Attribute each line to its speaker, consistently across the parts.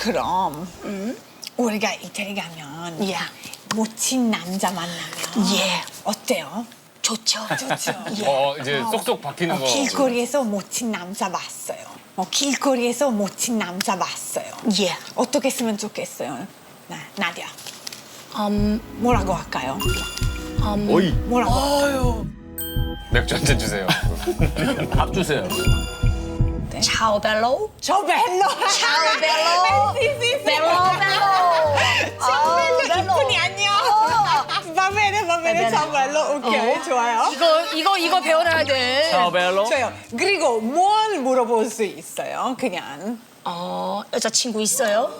Speaker 1: 그럼 우리가 이태리 가면
Speaker 2: 예.
Speaker 1: 멋진 남자 만나면
Speaker 2: 예.
Speaker 1: 어때요?
Speaker 2: 좋죠.
Speaker 1: 좋죠.
Speaker 3: 이제 쏙쏙 바뀌는 거.
Speaker 1: 길거리에서 멋진 남자 봤어요. 길거리에서 멋진 남자 봤어요.
Speaker 2: 예.
Speaker 1: 어떻게 쓰면 좋겠어요? 나디아.
Speaker 2: 음,
Speaker 1: 뭐라고 할까요?
Speaker 3: 오이.
Speaker 1: 뭐라고?
Speaker 3: 맥주 한 잔 주세요.
Speaker 4: 밥 주세요.
Speaker 2: ciao bello.
Speaker 1: 저 벨로.
Speaker 2: ciao bello. bello bello.
Speaker 1: 저 벨로
Speaker 2: bello.
Speaker 1: 이쁜이 안녕. Va bene, 저 벨로. 오케이, 좋아요.
Speaker 2: 이거 배워놔야 돼.
Speaker 4: 차오벨로.
Speaker 1: 좋아요. 그리고 뭘 물어볼 수 있어요? 그냥.
Speaker 2: 여자친구 있어요?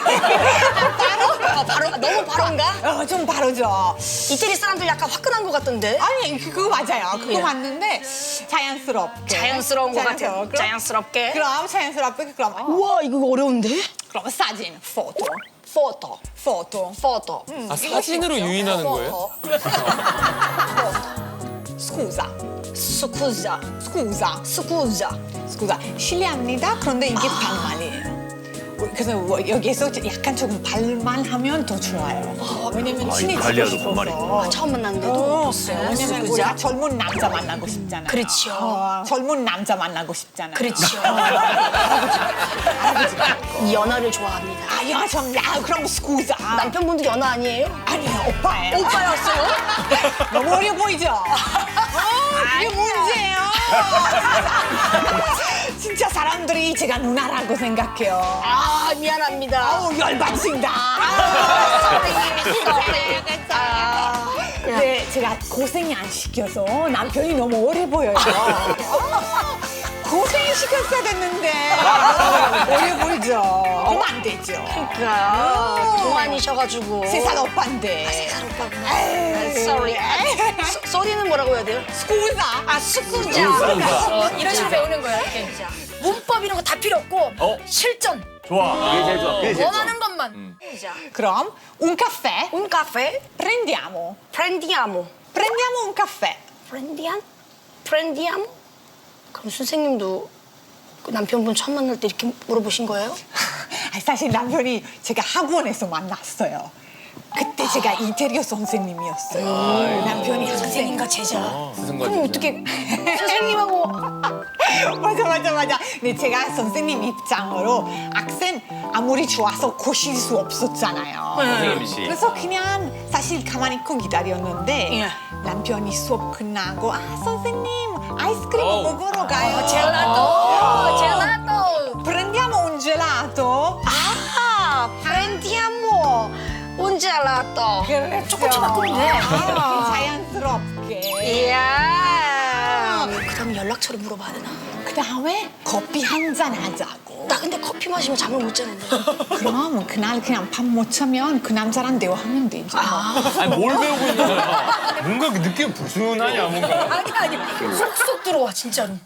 Speaker 2: 바로 너무 바로인가?
Speaker 1: 좀 바로죠.
Speaker 2: 이태리 사람들 약간 화끈한 것 같던데.
Speaker 1: 아니, 그거 맞아요. 그거
Speaker 2: 예.
Speaker 1: 맞는데 자연스럽게.
Speaker 2: 자연스러운 것 같아요.
Speaker 1: 그럼-
Speaker 2: 자연스럽게.
Speaker 1: 그럼 자연스럽게 그럼
Speaker 2: 우와 이거 어려운데?
Speaker 1: 그럼 사진, 포토,
Speaker 2: 포토.
Speaker 1: 포토.
Speaker 2: 포토.
Speaker 3: 아, 사진으로 유인하는 거예요?
Speaker 1: 스쿠자,
Speaker 2: 스쿠자.
Speaker 1: 스쿠자,
Speaker 2: 스쿠자.
Speaker 1: 스쿠자. 실례합니다. 그런데 이게 반말이에요. 그래서 여기에서 약간 조금 발만하면 더 좋아요. 왜냐면 친해지고
Speaker 4: 이탈리아도
Speaker 1: 싶어서.
Speaker 4: 반말이구나.
Speaker 2: 처음 만났는데도
Speaker 1: 왜냐면 우리가 젊은 남자 만나고 싶잖아요.
Speaker 2: 그렇죠.
Speaker 1: 젊은 남자 만나고 싶잖아요.
Speaker 2: 그렇죠. 연하를 좋아합니다.
Speaker 1: 야, 그럼 스쿠자.
Speaker 2: 남편분도 연하 아니에요?
Speaker 1: 아니에요, 오빠예요.
Speaker 2: 오빠였어요?
Speaker 1: 너무 어려 보이죠? 이게 문제예요. 진짜 사람들이 제가 누나라고 생각해요.
Speaker 2: 미안합니다.
Speaker 1: 아우, 열받친다. 네, 제가 고생이 안 시켜서 남편이 너무 어려 보여요. 고생 시켰어야 됐는데 어려 보이죠? 그럼 안 되죠.
Speaker 2: 동안이셔가지고.
Speaker 1: 세살 오빠인데.
Speaker 2: 세살 오빠구나. Sorry. 쏘리는 뭐라고 해야 돼요?
Speaker 1: 스쿠자.
Speaker 2: 스쿠자. 이런 식으로 배우는 거야. 이렇게. 문법 이런 거 다 필요 없고 실전.
Speaker 4: 좋아. 그게 제일 좋아. 그게 제일 좋아.
Speaker 2: 원하는 것만. 자,
Speaker 1: 그럼 un caffè
Speaker 2: un caffè
Speaker 1: prendiamo.
Speaker 2: prendiamo.
Speaker 1: Prendiamo un caffè.
Speaker 2: prendiamo? 그럼 선생님도 그 남편분 처음 만날 때 이렇게 물어보신 거예요?
Speaker 1: 사실 남편이 제가 학원에서 만났어요. 그때 제가 이태리어 선생님이었어요. 남편이
Speaker 2: 선생님과 제자.
Speaker 3: 스승과
Speaker 2: 그럼
Speaker 3: 제자.
Speaker 2: 어떻게 선생님하고
Speaker 1: 맞아. 근데 제가 선생님 입장으로 학생 아무리 좋아서 고실 수 없었잖아요.
Speaker 4: 선생님이시.
Speaker 1: 그래서 그냥 사실 가만히 있고 기다렸는데
Speaker 2: 예.
Speaker 1: 남편이 수업 끝나고 선생님 아이스크림 먹으러 가요.
Speaker 2: 젤라또.
Speaker 1: Prendiamo un gelato.
Speaker 2: prendiamo un gelato. 조금씩 바꾸면 돼.
Speaker 1: 자연스럽게.
Speaker 2: 이야. 그다음 연락처를 물어봐야 되나?
Speaker 1: 그 다음에 커피 한 잔 하자고.
Speaker 2: 나 근데 커피 마시면 잠을 못 자는데.
Speaker 1: 그럼 그날 그냥 밥 못 차면 그 남자랑 대화하면 되죠.
Speaker 3: 아니, 뭘 배우고 있는 거야? 뭔가 그 느낌 불순하냐, 뭔가.
Speaker 2: 아니 쏙쏙 들어와 진짜로.